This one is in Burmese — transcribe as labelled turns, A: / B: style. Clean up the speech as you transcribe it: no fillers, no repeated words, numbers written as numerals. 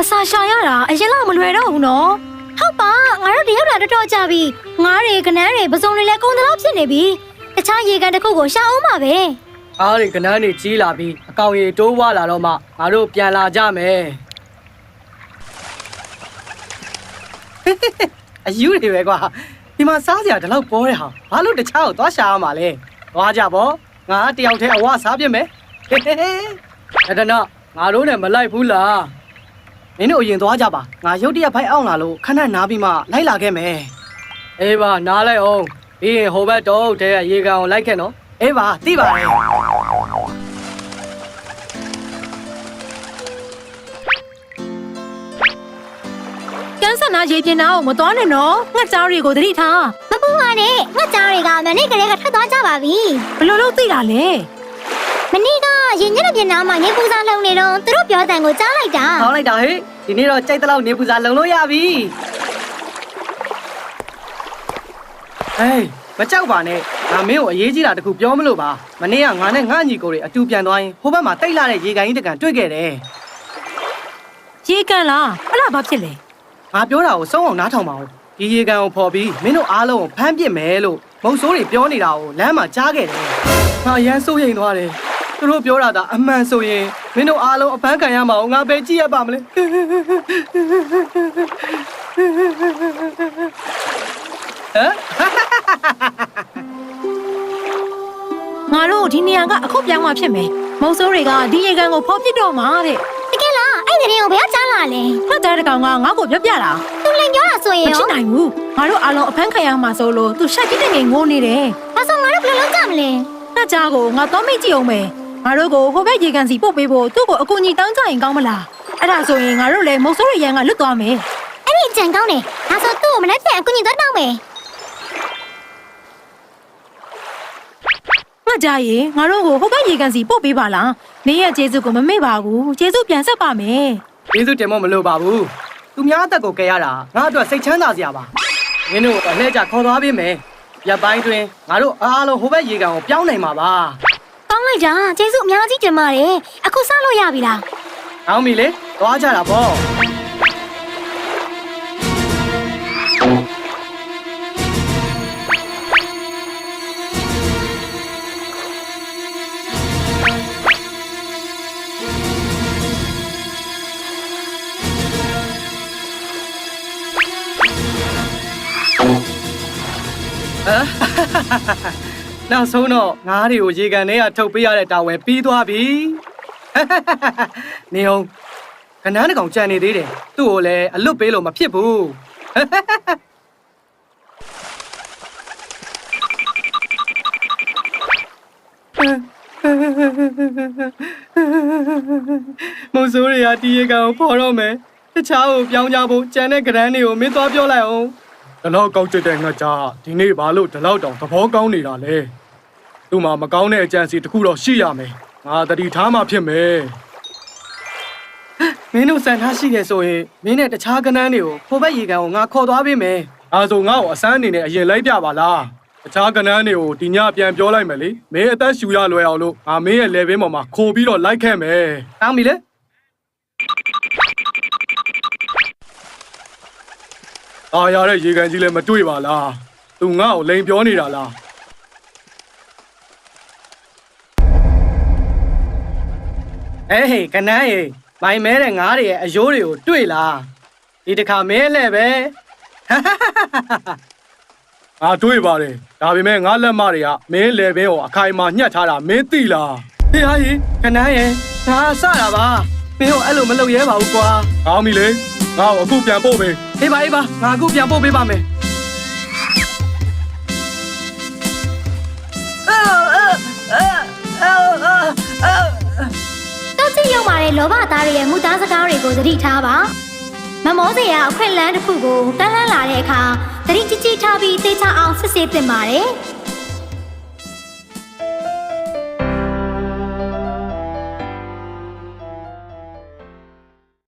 A: စာရှာရတာအရင်လောက်မလွယ်တော့ဘူးနော်ဟုတ်ပါငါတို့တယောက်တာတော်ကြပြီငါးတွေကနန်းတွေပစုံတွေလည်းကုန်တော့ဖြစ်နေပြီတခြားရေကန်တစ်ခုကိုရှာအောင်ပါပဲ
B: အားတွေကနန်းတွေကြီးလာပြီးအကောင်ရီတိုးဝလာတော့မှငါတို့ပြန်လာကြမယ်အယူတွေပဲကွာဒီမှာစားစရာဒီလောက်ပေါ်တဲ့ဟာဘာလို့တခြားကိုသွားရှာရမှာလဲသွားကြပေါ့ငါတယောက်တည်းအဝစားပြစ်မယ်အဲ့ဒါတော့ငါတို့နဲ့မလိုက်ဘူးလားမင်းတို့အရင်သွားကြပါငါရုတ်တရက်ဖိုက်အောင်လာလို့ခဏနားပြီးမှလိုက်လာခဲ့မယ်အေးပါနားလိုက်အောင်ပြီးရင်ဟိုဘက်တော့တဲရေကန်ကိုလိုက်ခဲ့နော်အေးပါသိပါတယ်
A: ကန်းစနာရေပြင်နာကိုမတော်နဲ့နော်ငှက်ကြားတွေကိုသတိထားမပူပါနဲ့ငှက်ကြားတွေကမနေ့ကလေးကထွက်သွားကြပါပြီဘယ်လိုလုပ်သိတာလဲမနေ့ကရင်ညက်ပြင်နာမှာနေပူစာလုံနေတော့သူတို့ပြောတဲ့ကိုကြားလိုက်တာ
B: ဟောလိုက်တာဟေ့ဒီနေ့တော့ကြိုက်တဲ့လောက်နေပူစာလုံလို့ရပြီဟေးမကြောက်ပါနဲ့ငါမင်းကိုအရေးကြီးတာတခုပြောမလို့ပါမနေ့ကငါနဲ့ငါညီကိုတွေအတူပြန်သွားရင်ဟိုဘက်မှာတိတ်လာတဲ့ရေကန်ကြီးတကန်တွေ့ခဲ့တယ်
A: ရေကန်လားအဲ့ဒါဘာဖြစ်လဲ
B: ငါပြောတာကိုစုံအောင်နားထောင်ပါဦးဒီရေကန်ကိုဖော်ပြီးမင်းတို့အားလုံးကိုဖမ်းပစ်မယ်လို့မုတ်ဆိုးတွေပြောနေတာကိုလမ်းမှာကြားခဲ့တယ်ငါအရန်စိုးရိမ်သွားတယ်သူတို့ပြောတာအမှန်ဆိုရင်မင်းတို့အားလုံးအဖမ်းခံရမှာကိုငါပဲကြည့်ရပါမလဲ
A: ငါတို့ဒီနေရာကအခုပြောင်းမှဖြစ်မယ်မုံစိုးတွေကဒီရေကန်ကိုဖောက်ပစ်တော့မှာတဲ့တကယ်လားအဲ့ဒီနေကိုဘယ်ကကြားလာလဲဖတ်တဲ့ကောင်ကငါ့ကိုပြောပြတာသူလည်းပြောတာဆိုရင်ရောမဖြစ်နိုင်ဘူးငါတို့အားလုံးအဖမ်းခံရမှာဆိုလို့သူရှက်ကြီးတဲ့ငယ်ငိုးနေတယ်ဒါဆိုငါတို့ဘယ်လိုလုပ်ကြမလဲနှက်ကြားကိုငါတော့မိတ်ကြည့်အောင်မယ်ငါတို့ကိုဟိုဘက်ရေကန်စီပို့ပေးဖို့သူ့ကိုအကူအညီတောင်းကြရင်ကောင်းမလားအဲ့ဒါဆိုရင်ငါတို့လည်းမုံစိုးတွေရန်ကလွတ်သွားမယ်အဲ့ဒီကြံကောင်းတယ်ဒါဆိုသူ့ကိုမနေ့ပြန်အကူအညီတော့တောင်းမယ်ငါကြရင်ငါတို့ကိုဟိုဘက်ရေကန်စီပို့ပေးပါလားနေရဲ့ကျေးဇူးကိုမမေ့ပါဘူးကျေးဇူးပြန်ဆက်ပါမယ်
B: ကျေးဇူးတင်မလို့ပါဘူးသူများအသက်ကိုကယ်ရတာငါအတွက်စိတ်ချမ်းသာစရာပါမင်းတို့အလှည့်ကြခေါ်သွားပေးမယ်ရပ်ပိုင်းတွင်ငါတို့အားလုံးဟိုဘက်ရေကန်ကိုပြောင်းနိုင်မှာပါ
A: ကောင်းလိုက်တာကျေးဇူးအများကြီးတင်ပါတယ်အခုစလို့ရပြီလား
B: အောင်ပြီလေသွားကြတာပေါ့နောက်ဆုံးတော့ငါးတွေကိုရေကန်ထဲကထုတ်ပေးရတဲ့တာဝန်ပြီးသွားပြီနေအောင်ကနန်းတကောင်ကြံနေသေးတယ်သူ့ကိုလည်းအလွတ်ပေးလို့မဖြစ်ဘူးမုံစိုးတွေကဒီရေကန်ကိုဖော်တော့မယ်တခြားကိုပြောင်းကြဖို့ကြံတဲ့ကနန်းတွေကိုမင်းသွားပြောလိုက်အောင်ဒီလောက်ကောက်ကျတဲ့ငှက်ကြားဒီနေ့ဘာလို့ဒီလောက်တောင်သဘောကောင်းနေတာလဲသူ့မှာမကောင်းတဲ့အကြံစီတစ်ခုတော့ရှိရမယ်ငါတတိထားမှဖြစ်မယ်မင်းတို့စံထားရှိတယ်ဆိုရင်မင်းနဲ့တခြားကနန်းတွေကိုဟိုဘက်ရေကန်ကိုငါခေါ်သွားပေးမယ်အဲဆိုငါ့ကိုအစမ်းအနေနဲ့အရင်လိုက်ပြပါလားတခြားကနန်းတွေကိုဒီညပြန်ပြောလိုက်မယ်လေမင်းအသက်ရှူရလွယ်အောင်လို့ငါမင်းရဲ့ level ပေါ်မှာခိုးပြီးတော့လိုက်ခဲ့မယ်တောင်းပြီလေအားရတဲ့ရေကန်ကြီးလည်းမတွေ့ပါလားသူငါ့ကိုလိန်ပြောနေတာလားဟေးကနန်းရေမိုင်မဲတဲ့ငါးတွေရဲ့အယိုးတွေကိုတွေ့လားဒီတစ်ခါမဲလဲပဲငါတွေ့ပါတယ်ဒါပေမဲ့ငါလက်မတွေကမင်းလေဘဲကိုအခိုင်အမာညှက်ထားတာမင်းသိလားဟေးဟာကြီးကနန်းရေငါစတာပါမင်းတို့အဲ့လိုမလုပ်ရဲပါဘူးကွာကောင်းပြီလေငါ့ကိုအခုပြန်ပို့ပေးအေးပါငါအခုပြန်ပို့ပေးပါမယ်
A: တောက်ချရောက်ပါတဲ့လောဘသားတွေရဲ့မူသားစကားတွေကိုသတိထားပါမမောစရာအခွင့်အလမ်းတစ်ခုကိုတန်းလန်းလာတဲ့အခါသတိကြီးကြီးထားပြီးသိချအောင်စစ်ဆေးသင့်ပါတယ်